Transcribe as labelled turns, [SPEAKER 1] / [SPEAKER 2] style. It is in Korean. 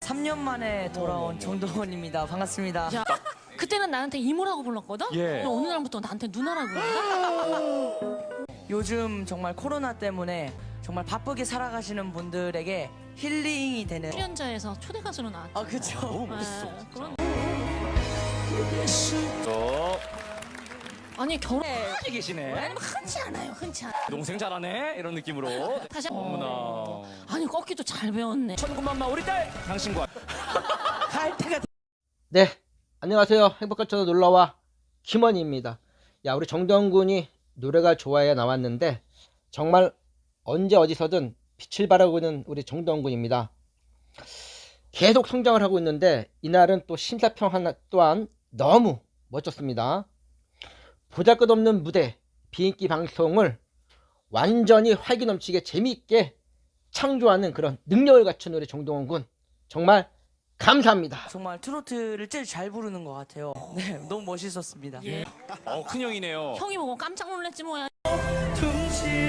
[SPEAKER 1] 3년 만에 돌아온 정동원입니다. 반갑습니다.
[SPEAKER 2] 야, 그때는 나한테 이모라고 불렀거든?
[SPEAKER 3] 예.
[SPEAKER 2] 어느 날부터 나한테 누나라고 부른다?
[SPEAKER 1] 요즘 정말 코로나 때문에 정말 바쁘게 살아가시는 분들에게 힐링이 되는.
[SPEAKER 2] 출연자에서 초대 가수로 나왔죠.
[SPEAKER 1] 아 그쵸.
[SPEAKER 3] 너무 멋있어.
[SPEAKER 2] 그런...
[SPEAKER 3] 또
[SPEAKER 2] 아니 결혼
[SPEAKER 3] 많이 계시네.
[SPEAKER 2] 아니면 흔치 않아요. 흔치 않아.
[SPEAKER 3] 동생 잘하네 이런 느낌으로.
[SPEAKER 2] 다시
[SPEAKER 3] 어머나.
[SPEAKER 2] 아니 꺾기도 잘 배웠네.
[SPEAKER 3] 천군만마 우리 딸 당신과
[SPEAKER 1] 갈 때가
[SPEAKER 4] 네, 안녕하세요. 행복한 채널 놀러와 김원희입니다. 야, 우리 정동원 군이 노래가 좋아야 나왔는데 정말 언제 어디서든 빛을 발하고 있는 우리 정동원 군입니다. 계속 성장을 하고 있는데 이날은 또 심사평 하나 또한 너무 멋졌습니다. 보잘것없는 무대, 비인기 방송을 완전히 활기 넘치게 재미있게 창조하는 그런 능력을 갖춘 우리 정동원 군 정말 감사합니다.
[SPEAKER 1] 정말 트로트를 제일 잘 부르는 것 같아요. 네, 너무 멋있었습니다.
[SPEAKER 2] 예.
[SPEAKER 3] 큰형이네요.
[SPEAKER 2] 형이 보고 깜짝 놀랐지 뭐야.
[SPEAKER 1] 둥실